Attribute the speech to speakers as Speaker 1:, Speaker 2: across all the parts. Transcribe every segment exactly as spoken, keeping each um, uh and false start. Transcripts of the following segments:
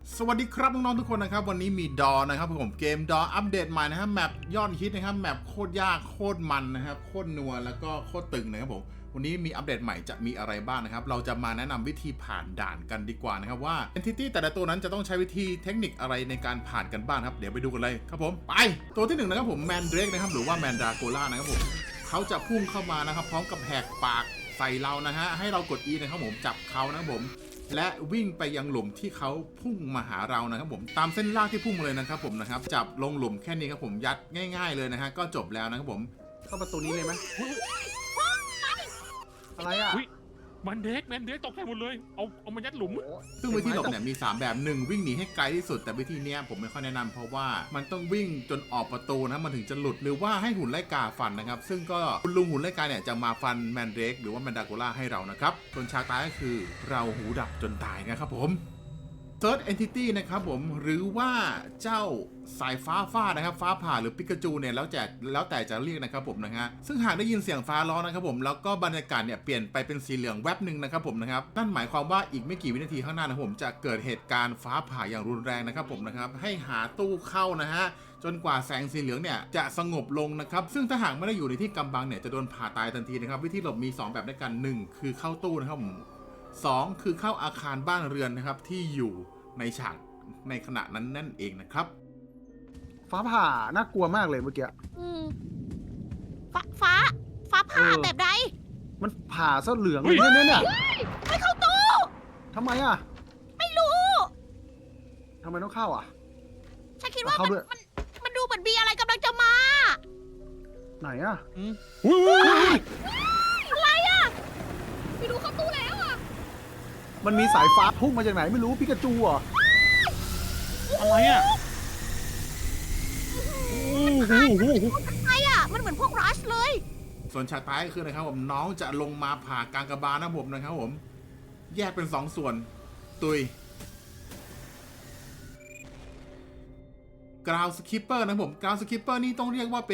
Speaker 1: สวัสดีครับน้องๆทุกคนนะครับวันนี้มีดอนะครับผมเกมดออัปเดตใหม่นะครับแมปยอดฮิตนะครับแมปโคตรยากโคตรมันนะครับโคตรนัวแล้วก็โคตรตึงนะครับผมวันนี้มีอัปเดตใหม่จะมีอะไรบ้างนะครับเราจะมาแนะนำวิธีผ่านด่านกันดีกว่านะครับว่า Entity แต่ละตัวนั้นจะต้องใช้วิธีเทคนิคอะไรในการผ่านกันบ้างครับเดี๋ยวไปดูกันเลยครับผมไปตัวที่หนึ่งนะครับผมแมนเดรกนะครับหรือว่าแมนดราโกล่านะครับผมเขาจะพุ่งเข้ามานะครับพร้อมกับแหกปากใส่เรานะฮะให้เรากด E นะครับผมจับเขานะครับผมและวิ่งไปยังหลุมที่เขาพุ่งมาหาเรานะครับผมตามเส้นลากที่พุ่งมาเลยนะครับผมนะครับจับลงหลุมแค่นี้ครับผมยัดง่ายๆเลยนะฮะก็จบแล้วนะครับผมเข้าประตูนี้เลยไหมอะไรอ่ะ
Speaker 2: แมนเด็กแมนเด็กตกใจหมดเลยเอาเอามายัดหลุม
Speaker 1: ซึ่งวิธีหลบเนี่ยมีสามแบบหนึ่งวิ่งหนีให้ไกลที่สุดแต่วิธีนี้ผมไม่ค่อยแนะนำเพราะว่ามันต้องวิ่งจนออกประตูนะมันถึงจะหลุดหรือว่าให้หุ่นไล่กาฟันนะครับซึ่งก็คุณลุงหุ่นไล่กาเนี่ยจะมาฟันแมนเด็กหรือว่าแมนดราโกล่าให้เรานะครับส่วนฉากตายก็คือเราหูดับจนตายนะครับผมThird Entity นะครับผมหรือว่าเจ้าสายฟ้าฟาดนะครับฟ้าผ่าหรือปิกาจูเนี่ยแล้วแต่แล้วแต่จะเรียกนะครับผมนะฮะซึ่งหากได้ยินเสียงฟ้าร้องนะครับผมแล้วก็บรรยากาศเนี่ยเปลี่ยนไปเป็นสีเหลืองแวบหนึ่งนะครับผมนะครับนั่นหมายความว่าอีกไม่กี่วินาทีข้างหน้านะผมจะเกิดเหตุการณ์ฟ้าผ่าอย่างรุนแรงนะครับผมนะครับให้หาตู้เข้านะฮะจนกว่าแสงสีเหลืองเนี่ยจะสงบลงนะครับซึ่งถ้าหากไม่ได้อยู่ในที่กำบังเนี่ยจะโดนผ่าตายทันทีนะครับวิธีหลบมีสองแบบด้วยกันหนึ่งคือเข้าตู้นะครับผมสองคือเข้าอาคารบ้านเรือนนะครับที่อยู่ในฉากในขณะนั้นนั่นเองนะครับ
Speaker 3: ฟ้าผ่าน่ากลัวมากเลยเมื่อกี้
Speaker 4: อืมฟ้าฟ้าฟ้าผ่าแบบใด
Speaker 3: มันผ่าซะเหลืองเลยเนี่ยเนี่ย
Speaker 4: ไม่เข้าตู้
Speaker 3: ทำไมอ่ะ
Speaker 4: ไม่รู้
Speaker 3: ทำไมต้องเข้าอ่ะ
Speaker 4: ฉันคิดว่ามันมันมันดูเหมือนมีอะไรกำลังจะมา
Speaker 3: ไหนอ่ะ
Speaker 4: อะไรอ่ะไม่รู้เข้าตู้แล้วอ่ะ
Speaker 3: มันมีสายฟ้าพุ่งมาจากไหนไม่รู้ปิกาจูอ่ะ
Speaker 2: อะไรอ่ะ
Speaker 4: อะไรอ่ะมันเหมือนพวกรัชเลย
Speaker 1: ส่วนฉากท้ายก็คือนะครับผมน้องจะลงมาผ่ากลางกระบาลนะผมนะครับผมแยกเป็นสองส่วนตุยกราวสคิปเปอร์นะผมกราวสคิปเปอร์นี่ต้องเรียกว่าเป็น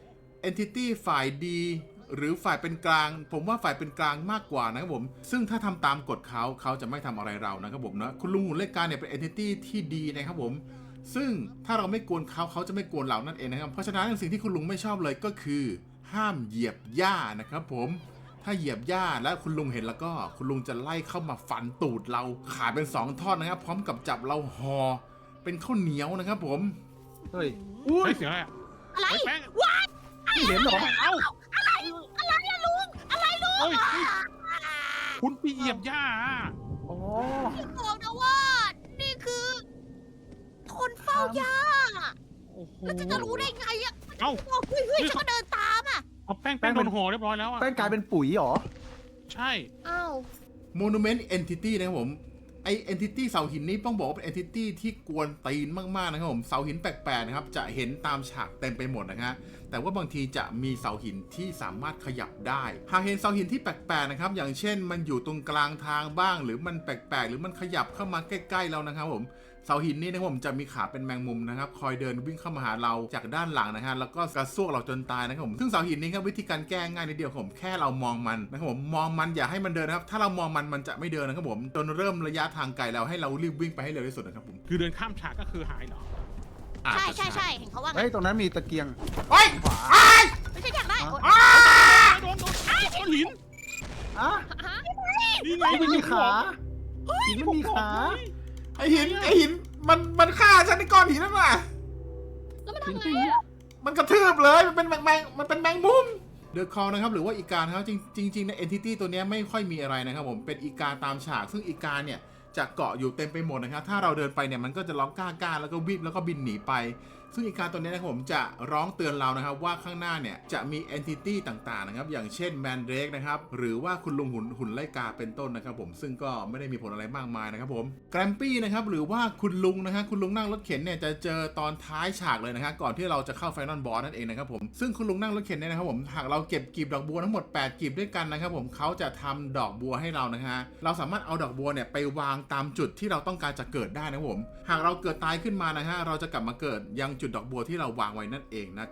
Speaker 1: Entity ฝ่ายดีหรือฝ่ายเป็นกลางผมว่าฝ่ายเป็นกลางมากกว่านะครับผมซึ่งถ้าทำตามกฎเขาเขาจะไม่ทำอะไรเรานะครับผมนะคุณลุงหุ่นเล็กการเนี่ยเป็น Entity ที่ดีนะครับผมซึ่งถ้าเราไม่กวนเขาเขาจะไม่กวนเรานั่นเองนะครับเพราะฉะนั้นสิ่งที่คุณลุงไม่ชอบเลยก็คือห้ามเหยียบหญ้านะครับผมถ้าเหยียบหญ้าแล้วคุณลุงเห็นแล้วก็คุณลุงจะไล่เข้ามาฟันตูดเราขาดเป็นสองท่อนนะครับพร้อมกับจับเราห่อเป็นข้าวเหนียวนะครับผม
Speaker 3: เฮ้ย
Speaker 2: อุ้ยเสียงอะไร
Speaker 4: อะไรว้าย
Speaker 3: เห็นหรอ
Speaker 4: เอ้าอะไรอะไรอะลุงอะไรลุง
Speaker 2: คุณไปเหยียบหญ้า
Speaker 3: อ๋อ
Speaker 4: พี่บอกนะว่านี่คือคนเฝ้าหญ้าแล้วจะจะรู้ได้ไงอะ
Speaker 2: เอ้า
Speaker 4: เฮ้ยเฮ้ยฉันก็เดินตามอะ
Speaker 2: เอาแป้งแป้งโดนห่อเรียบร้อยแล้วอะ
Speaker 3: แป้งกลายเป็นปุ๋ยหรอ
Speaker 2: ใช่
Speaker 4: อ้าว
Speaker 1: Monument Entity นะครับผมไอ Entity เสาหินนี้ต้องบอกว่าเป็น Entity ที่กวนตีนมากๆนะครับผมเสาหินแปลกๆนะครับจะเห็นตามฉากเต็มไปหมดนะฮะแต่ว่าบางทีจะมีเสาหินที่สามารถขยับได้หากเห็นเสาหินที่แปลกๆนะครับอย่างเช่นมันอยู่ตรงกลางทางบ้างหรือมันแปลกๆหรือมันขยับเข้ามาใกล้ๆเรานะครับผมเสาหินนี้นะครับผมจะมีขาเป็นแมงมุมนะครับคอยเดินวิ่งเข้ามาหาเราจากด้านหลังนะฮะแล้วก็กระซวกเราจนตายนะครับผมซึ่งเสาหินนี้ครับวิธีการแก้ง่ายนิดเดียวผมแค่เรามองมันนะครับผมมองมันอย่าให้มันเดินนะครับถ้าเรามองมันมันจะไม่เดินนะครับผมจนเริ่มระยะทางไกลแล้วให้เรารีบวิ่งไปให้เร็วที่สุดนะครับผม
Speaker 2: คือเดินข้ามฉากก็คือหายเหรอ
Speaker 4: ใช่ใช่ใช่เห็นเขาว่า
Speaker 3: เฮ้ยตรงนั้นมีตะเกียง
Speaker 1: เฮ้ย
Speaker 4: ไม่ใช่อยากได้
Speaker 2: โดนโดนโดนหิน
Speaker 3: อ่ะ
Speaker 2: นี่ไง
Speaker 3: ไม่มีขาหินไม่มีขา
Speaker 1: ไอหินไอหินมันมันฆ่าฉันในก้อนหินนั่นแหละ
Speaker 4: แล้วมันทำไงอ่ะ
Speaker 1: มันกระทืบเลยมันเป็นแมงแมงมันเป็นแมงมุมเดอะคอลนะครับหรือว่าอีกาครับจริงจริงใน Entity ตัวนี้ไม่ค่อยมีอะไรนะครับผมเป็นอีกาตามฉากซึ่งอีกาเนี่ยจะเกาะอยู่เต็มไปหมดนะครับถ้าเราเดินไปเนี่ยมันก็จะร้องก้าก้าแล้วก็วิบแล้วก็บินหนีไปซึ่งอีกาตัวนี้นะครับผมจะร้องเตือนเรานะครับว่าข้างหน้าเนี่ยจะมี Entity ต่างๆนะครับอย่างเช่นแมนเดรกนะครับหรือว่าคุณลุงหุ่นหุ่นไล่กาเป็นต้นนะครับผมซึ่งก็ไม่ได้มีผลอะไรมากมายนะครับผมแกรมปี้นะครับหรือว่าคุณลุงนะฮะคุณลุงนั่งรถเข็นเนี่ยจะเจอตอนท้ายฉากเลยนะครับก่อนที่เราจะเข้าไฟนอลบอสนั่นเองนะครับผมซึ่งคุณลุงนั่งรถเข็นเนี่ยนะครับผมหากเราเก็บกลีบดอกบัวทั้งหมดแปดกลีบด้วยกันนะครับผมเขาจะทำดอกบัวให้เรานะฮะเราสามารถเอาดอกบัวเนี่ยไปวางตามจุดที่เราต้องการจะเกิดได้นะครับผมหากเราเกิดตายขึ้นมานะฮะเราจะกลับมาเกิดยังจุดดอกบัวที่เราวางไว้นั่นเองนะครับ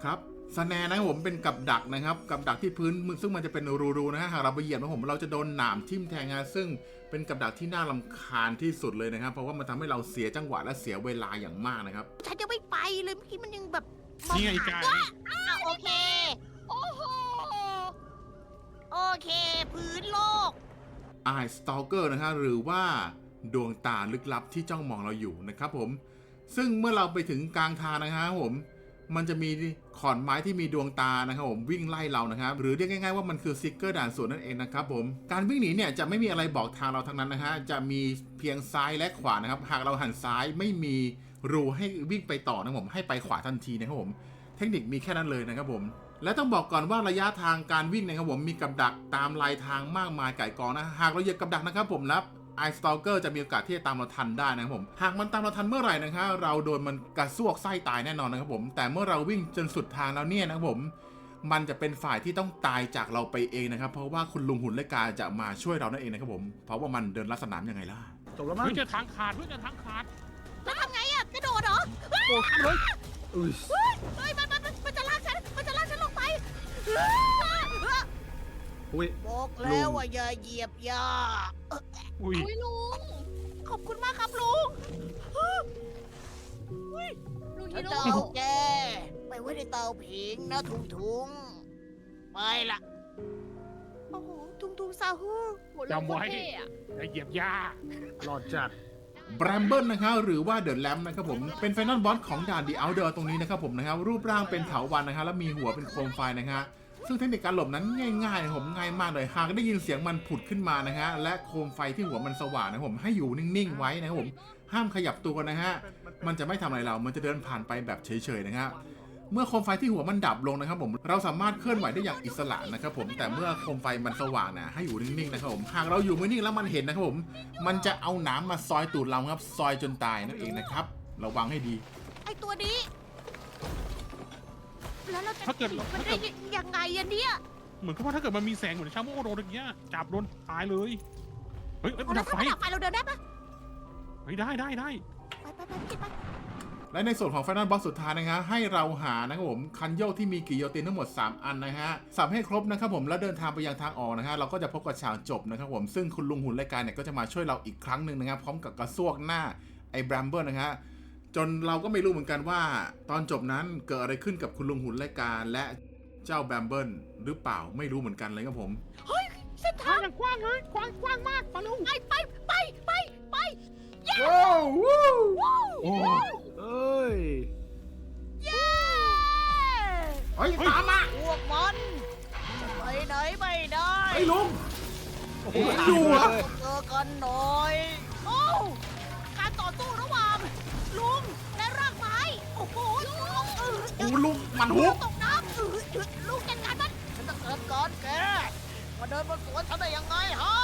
Speaker 1: สแนร์นะครับผมเป็นกับดักนะครับกับดักที่พื้นซึ่งมันจะเป็นรูๆนะฮะหากเราไปเหยียบนะผมเราจะโดนหนามทิ่มแทงนะซึ่งเป็นกับดักที่น่ารำคาญที่สุดเลยนะครับเพราะว่ามันทำให้เราเสียจังหวะและเสียเวลาอย่างมากนะครับ
Speaker 4: ฉันยังไม่ไปเลยเมื่อกี้มันยังแบบม
Speaker 2: นี่ไง
Speaker 4: ห
Speaker 2: กาย
Speaker 4: ว่าอ้าวโอเค โอ้โห โอเค พื้นโลก
Speaker 1: Eye Stalker นะฮะหรือว่าดวงตาลึกลับที่จ้องมองเราอยู่นะครับผมซึ่งเมื่อเราไปถึงกลางทางนะครับผมมันจะมีขอนไม้ที่มีดวงตานะครับผมวิ่งไล่เรานะครับหรือเรียกง่ายๆว่ามันคือซิกเกอร์ด่านสวนนั่นเองนะครับผมการวิ่งหนีเนี่ยจะไม่มีอะไรบอกทางเราทั้งนั้นนะฮะจะมีเพียงซ้ายและขวานะครับหากเราหันซ้ายไม่มีรูให้วิ่งไปต่อนะครับผมให้ไปขวาทันทีนะครับผมเทคนิคมีแค่นั้นเลยนะครับผมและต้องบอกก่อนว่าระยะทางการวิ่งนะครับผมมีกับดักตามลายทางมากมายไก่กองนะหากเราเหยียบกับดักนะครับผมนับEye Stalker จะมีโอกาสที่จะตามเราทันได้นะครับผมหากมันตามเราทันเมื่อไหร่นะครับเราโดนมันกระซวกไส้ตายแน่นอนนะครับผมแต่เมื่อเราวิ่งจนสุดทางแล้วเนี่ยนะครับผมมันจะเป็นฝ่ายที่ต้องตายจากเราไปเองนะครับเพราะว่าคุณลุงหุ่นและกาจะมาช่วยเรานั่นเองนะครับผมเพราะว่ามันเดินลัดสนามยังไงล่ะ
Speaker 3: จบแล้วมั้ง
Speaker 2: เพื่อจะทางขาดเพื่อจะทางขาด
Speaker 4: แล้วทำไงอะกระโดดเหรอ
Speaker 3: โอ้เลยอุ้ย
Speaker 4: เฮ้ยเฮ้ยมันมันมันมันจะลากฉัน มันจะลากฉันลงไป
Speaker 3: อุ้ย
Speaker 4: บอกแล้วว่าอย่าเหยียบย่า
Speaker 2: อุ้ย
Speaker 4: อุ้ยลุง ขอบคุณมากครับลุง
Speaker 5: ลุง
Speaker 4: ฉั
Speaker 5: ฮี
Speaker 4: น
Speaker 5: โร่
Speaker 4: จะเอาแกไปไว้ในเตาผิงนะทุงทุงๆไปละโอ้โห ทุงทุงซาฮู
Speaker 5: โหลุงโคตรเท่อะ
Speaker 2: อย่าเหยียบหญ้า
Speaker 3: หลอดจัด
Speaker 1: แบรมเบิลนะครับหรือว่าเดอะแลมนะครับผมเป็นไฟนอลบอสของด่านดีเอาเดอร์ตรงนี้นะครับผมนะครับรูปร่างเป็นเถาวัลย์นะครับแล้วมีหัวเป็นโคมไฟนะฮะซึ่งเทคนิคการหลบนั้นง่ายๆนะผมง่ายมากเลยหากได้ยินเสียงมันผุดขึ้นมานะฮะและโคมไฟที่หัวมันสว่างนะผมให้อยู่นิ่งๆไว้นะครับผมห้ามขยับตัวนะฮะมันจะไม่ทำอะไรเรามันจะเดินผ่านไปแบบเฉยๆนะครับเมื่อโคมไฟที่หัวมันดับลงนะครับผมเราสามารถเคลื่อนไหวได้อย่างอิสระนะครับผมแต่เมื่อโคมไฟมันสว่างนะให้อยู่นิ่งๆนะครับผมหากเราอยู่ไม่นิ่งแล้วมันเห็นนะครับผมมันจะเอาหนามมาซอยตูดเราครับซอยจนตายนั่นเองนะครับระวังให้ดี
Speaker 4: ไอตัวนี้ แล้วเราจะ
Speaker 2: ถ้าเกิด
Speaker 4: หนีมัน
Speaker 2: ถ้า
Speaker 4: ได้
Speaker 2: เกิด
Speaker 4: ยังไงอะเนี่ย
Speaker 2: เหมือนกับว่าถ้าเกิดมันมีแสงเหมือนชาโมโดนอย่างเงี้ยจับโดนตายเลยเฮ้ยเอ้ยมัน
Speaker 4: แล้
Speaker 2: ดั
Speaker 4: ว
Speaker 2: บ
Speaker 4: ถ้า
Speaker 2: ไฟ
Speaker 4: มันดับไฟเราเดินได้ปะ
Speaker 2: เฮ้ยได้ได้ได้
Speaker 4: ไปไปไปไปไป
Speaker 1: และในส่วนของ Final Boss สุดท้ายนะฮะให้เราหานะครับผมคันโยกที่มีกิโยตินทั้งหมดสามอันนะฮะสับให้ครบนะครับผมแล้วเดินทางไปยังทางออกนะฮะเราก็จะพบกับฉากจบนะครับผมซึ่งคุณลุงหุ่นรายการเนี่ยก็จะมาช่วยเราอีกครั้งหนึ่งนะครับพร้อมกับกระซวกหน้าไอ้แบรมเบิลนะฮะจนเราก็ไม่รู้เหมือนกันว่าตอนจบนั้นเกิดอะไรขึ้นกับคุณลุงหุ่นรายการและเจ้าแบรมเบิลหรือเปล่าไม่รู้เหมือนกันเลยครับผม
Speaker 4: เฮ้ยเส้น
Speaker 2: ทา
Speaker 4: ทาง ง
Speaker 2: อย่างกว้างเลยกว้างกว้างมากมาเร็ว
Speaker 4: ไปไปไปไปไป
Speaker 1: ว้าววู้
Speaker 4: ว้าว
Speaker 2: โอ้
Speaker 3: เอ้ย
Speaker 4: เย้
Speaker 1: เฮ้ยตามมา
Speaker 4: พวกมันจะไปไหนไม่ได้
Speaker 1: ไอ้ลุง
Speaker 3: โอ้โห
Speaker 1: อยู่เหรอ
Speaker 4: เจอกันหน่อยโอ้การต่อสู้ระหว่างลุงและรากไม้โอ้โหลุงเออ
Speaker 1: โอ้ลุงมันฮุก
Speaker 4: ตกน้ำเออลุงจัดการมันฉันจะเกิดก่อนแกมาเดินบนสวนฉันได้ยังไงฮะ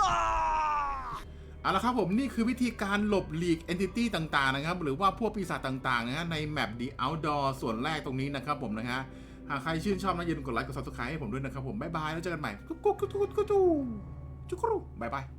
Speaker 1: เอาละครับผมนี่คือวิธีการหลบหลีก Entity ต่างๆนะครับหรือว่าพวกปีศาจต่างๆนะฮะในแมป The Outdoor ส่วนแรกตรงนี้นะครับผมนะฮะหากใครชื่นชอบนะอย่าลืมกดไลค์กด Subscribe ให้ผมด้วยนะครับผมบ๊ายบายแล้วเจอกันใหม่กุ๊กกุ๊กกุ๊กกุ๊กกุ๊กกุ๊กกุ๊กบ๊ายบาย